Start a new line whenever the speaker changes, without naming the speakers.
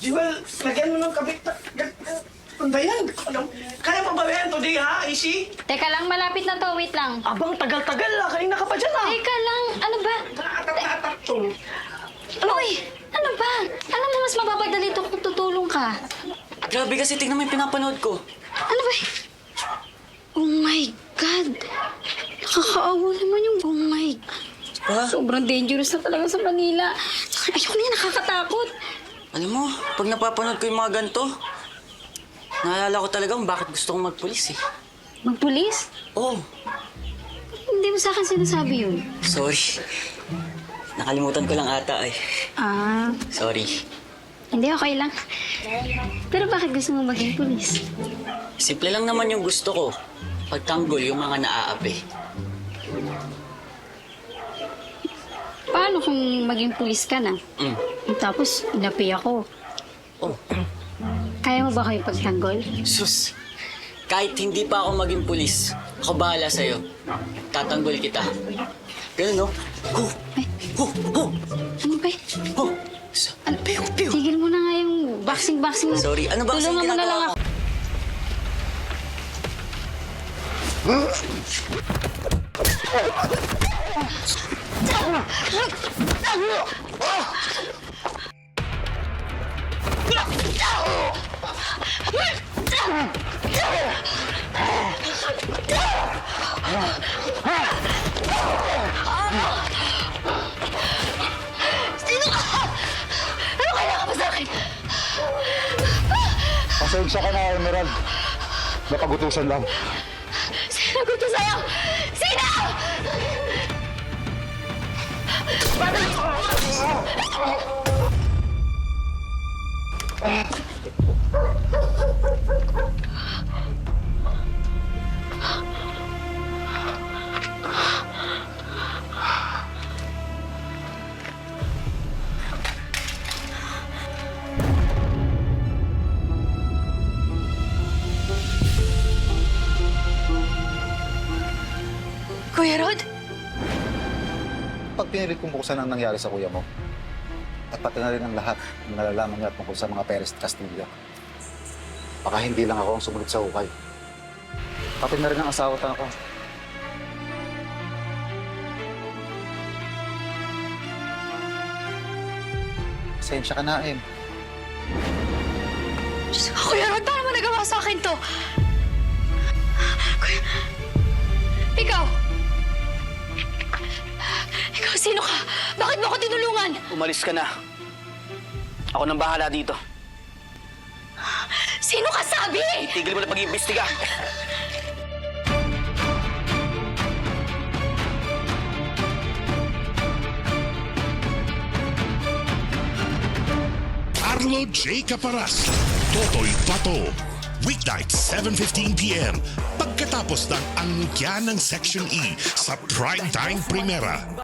Jewel, lagyan mo ng kabit na... Ano ba yan? Kaya mo ba yan today, ha, Ishi?
Teka lang, malapit na to. Wait lang.
Abang tagal-tagal, kanina ka pa dyan, ha?
Teka lang, ano ba?
Naatak to.
Uy, ano ba? Alam mo, mas mapapadali ito kung tutulong ka.
Grabe kasi, tignan mo yung pinapanood ko.
Ano ba? Oh my God! Nakakaawa naman yung oh my...
Ha?
Sobrang dangerous na talaga sa Manila. Ayoko na yan, nakakatakot.
Alam mo, pag napapanood ko yung mga ganito, naalala ko talagang bakit gusto kong magpulis eh.
Magpulis?
Oo,
Hindi mo sa akin sinasabi yun.
sorry. Nakalimutan ko lang ata eh.
Ah,
Sorry.
hindi, okay lang. Pero bakit gusto mo maging pulis?
Simple lang naman yung gusto ko. Pagtanggol yung mga naaapi.
Paano kung maging pulis ka na? Tapos, inapi ako.
Oh,
Kaya mo ba kayo pagtanggol?
sus. Kahit hindi pa ako maging pulis, ako bahala sa'yo. Tatanggol kita. Ganun, no? Go! Go! Go!
Ano ba?
Go! Ano? Piyo! Piyo!
Tigil mo na nga yung boxing na.
Sorry, ano ba kasi
Tulungan mo na lang
ginagawa
ako.
ko?
Sino ka? Ano kailangan mo sa akin?
Pasensya ka na, Emerald. Napagutusan lang.
Sino gusto sa'yo? Sino? Kuya Rod?
Pag pinilit kong buksan ang nangyari sa kuya mo, at pati na rin ang lahat ng nalalaman niya tungkol sa mga Perez Castilla, baka hindi lang ako ang sumunod sa hukay. Pati na rin ang asawa at ako. Pasensya ka na, Em.
Diyos ko, Kuya Rod, paano mo nagawa sa akin to? Kuya... Ikaw! Ikaw, sino ka? Bakit mo ako tinulungan?
Umalis ka na. Ako nang bahala dito.
Sino ka sabi?
Tigil mo na pag-iimbestiga.
Arlo J. Caparas, Totoy Pato. Weeknight, 7:15 p.m. Pagkatapos ng angkya ng Section E sa Primetime Primera.